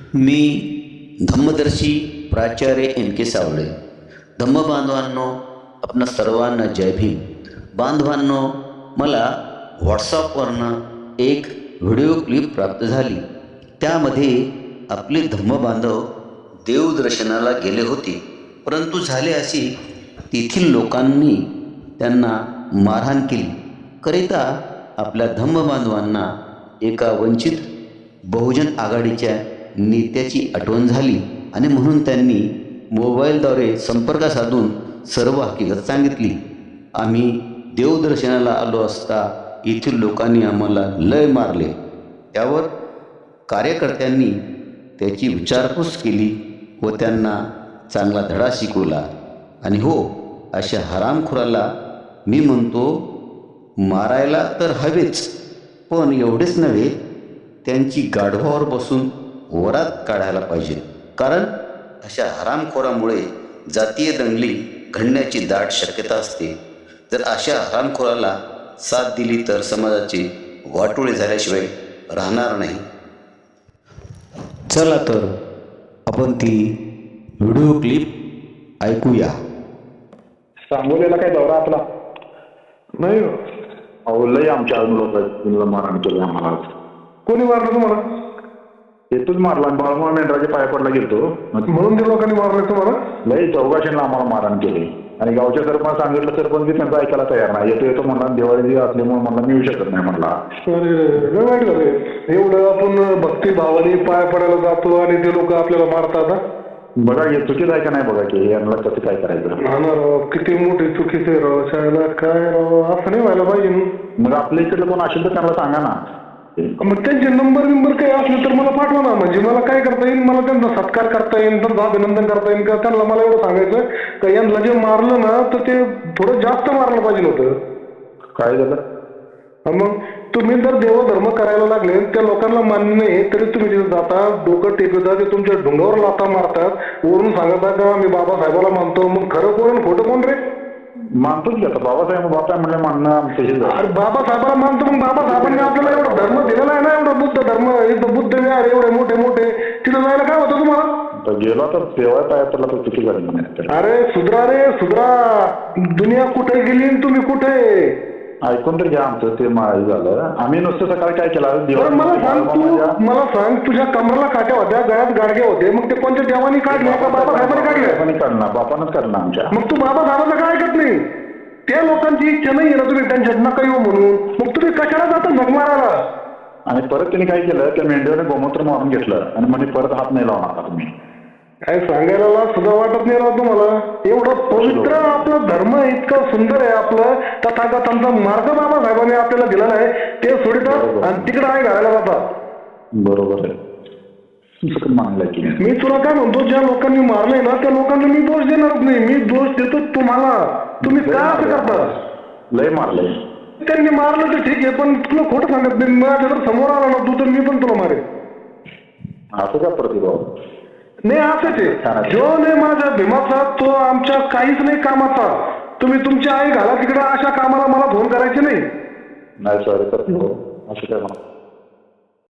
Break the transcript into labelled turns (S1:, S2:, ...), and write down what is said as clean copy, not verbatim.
S1: मी धम्मदर्शी प्राचार्य एन के सावळे. धम्म बांधवांनो, आपणा सर्वांना जय भीम. बांधवांनो, मला व्हॉट्सअपवरनं एक व्हिडिओ क्लिप प्राप्त झाली. त्यामध्ये आपले धम्म बांधव देवदर्शनाला गेले होते, परंतु झाले असे तेथील लोकांनी त्यांना मारहाण केली. करिता आपल्या धम्म बांधवांना एका वंचित बहुजन आघाडीच्या नेत्याची आठवण झाली आणि म्हणून त्यांनी मोबाईलद्वारे संपर्क साधून सर्व हकीकत सांगितली. आम्ही देवदर्शनाला आलो असता येथील लोकांनी आम्हाला लय मारले. त्यावर कार्यकर्त्यांनी त्याची विचारपूस केली व त्यांना चांगला धडा शिकवला. आणि हो, अशा हरामखोराला मी म्हणतो, मारायला तर हवेच, पण एवढेच नव्हे, त्यांची गाढवावर बसून वरात काढायला पाहिजे. कारण अशा हरामखोरामुळे जातीय दंगली घडण्याची दाट शक्यता असते. जर अशा हरामखोराला साथ दिली तर समाजाचे वाटोळे झाल्याशिवाय राहणार नाही. चला तर आपण ती व्हिडिओ क्लिप ऐकूया.
S2: सांगोलीला काय दौरा आपला
S3: नाही.
S2: अहो लय आमच्या लोक मारहाण केली आम्हाला.
S3: कोणी मारलं तुम्हाला?
S2: येतोच मारला. बाळूमामा मेंढराच्या पाया पडला गेलो
S3: म्हणून ते लोकांनी मारलं तुम्हाला?
S2: लय चौघाशीला आम्हाला मारहाण केली. आणि गावच्या सरपंच सांगितलं, सरपंच बी त्यांचा ऐकायला तयार नाही. येतो म्हणला, दिवाळी असल्यामुळे म्हणला मी येऊ शकत नाही म्हणला.
S3: अरे वाईट झालं. एवढं आपण भक्तिभावाने पाया पडायला जातो आणि ते लोक आपल्याला मारतात.
S2: बघा, हे चुकीचं आहे का नाही बघा की यांना कसं काय करायचं.
S3: हा ना राव, किती मोठी चुकीचे राव. शाळेला काय राव, असं नाही व्हायला पाहिजे.
S2: मग आपल्या इकडलं कोण असेल तर त्यांना सांगा ना.
S3: मग त्यांचे नंबर काही असले तर मला पाठवा ना. म्हणजे मला काय करता येईल, मला त्यांचा सत्कार करता येईल, त्यांचं अभिनंदन करता येईल का. त्यांना मला एवढं सांगायचं का यांना जे मारलं ना तर ते थोडं जास्त मारलं पाहिजे होतं.
S2: काय झालं?
S3: मग तुम्ही जर देवधर्म करायला लागले, त्या लोकांना मान्य नाही तरी तुम्ही तिथे जाता, डोकं टेकवता, ते तुमच्या ढुंगावर लाथा मारतात, वरून सांगता का मी बाबासाहेबाला मानतो. मग खरं कोण खोटं कोण रे?
S2: मानतोच की आता बाबासाहेब म्हणलं मानणं
S3: अरे बाबासाहेबाला मानतो. मग बाबासाहेबांनी आपल्याला एवढा धर्म दिलेला आहे ना, एवढा बुद्ध धर्म, इथं बुद्ध विहार एवढे मोठे मोठे, तिथं जायला काय होतं तुम्हाला?
S2: गेला तर तेव्हा पाया पडला तर चुकी झाली नाही.
S3: अरे सुधरा रे सुधरा. दुनिया कुठे गेली आणि तुम्ही कुठे?
S2: ऐकून तर घ्या आमचं ते झालं. आम्ही नुसतं सकाळी काय केलं,
S3: मला सांग तुझ्या कमराला काट्या होत्या, गळ्यात गाडगे होते, मग ते कोणत्या देवानी काढले का बाबासाहेबांनी काढले?
S2: काढणार, बापानच काढणार आमच्या.
S3: मग तू बाबासाहेबांना काय ऐकत नाही? त्या लोकांची इच्छा नाही ना तुम्ही टेन्शन नका येऊ म्हणून, मग तुम्ही कशाला जाता झक मारायला?
S2: आणि परत त्यांनी काय केलं, त्या मेंढ्याने गोमूत्र मारून घेतलं आणि म्हणजे परत हात नाही लावणार तुम्ही. काय
S3: सांगायला सुद्धा वाटत नाही राव तुम्हाला. एवढं पवित्र आपलं धर्म इतकं सुंदर आहे आपलं, तथागतांचा मार्ग बाबासाहेबांनी आपल्याला दिलेला आहे, ते सोडतात आणि तिकडे आहे घालायला जातात.
S2: बरोबर आहे.
S3: मी तुला काय म्हणतो, ज्या लोकांनी मारलंय ना त्या लोकांना मी दोष देणारच नाही. मी दोष देतो तुम्हाला. तुम्ही काय असं करता?
S2: लय मारलंय
S3: त्यांनी. मारलं तर ठीक आहे, पण तुला खोटं सांगत नाही. माझ्या जर समोर आला ना तू तर मी पण तुला मारेन.
S2: असं का प्रतिभाव?
S3: नाही असंच आहे. जो नाही माझ्या भीमाचा तो आमच्या काहीच नाही कामाचा. तुम्ही तुमची आई घाला तिकडे, अशा कामाला मला फोन करायचे नाही.
S2: सॉरी प्रतिभाव, असं काय म्हणा.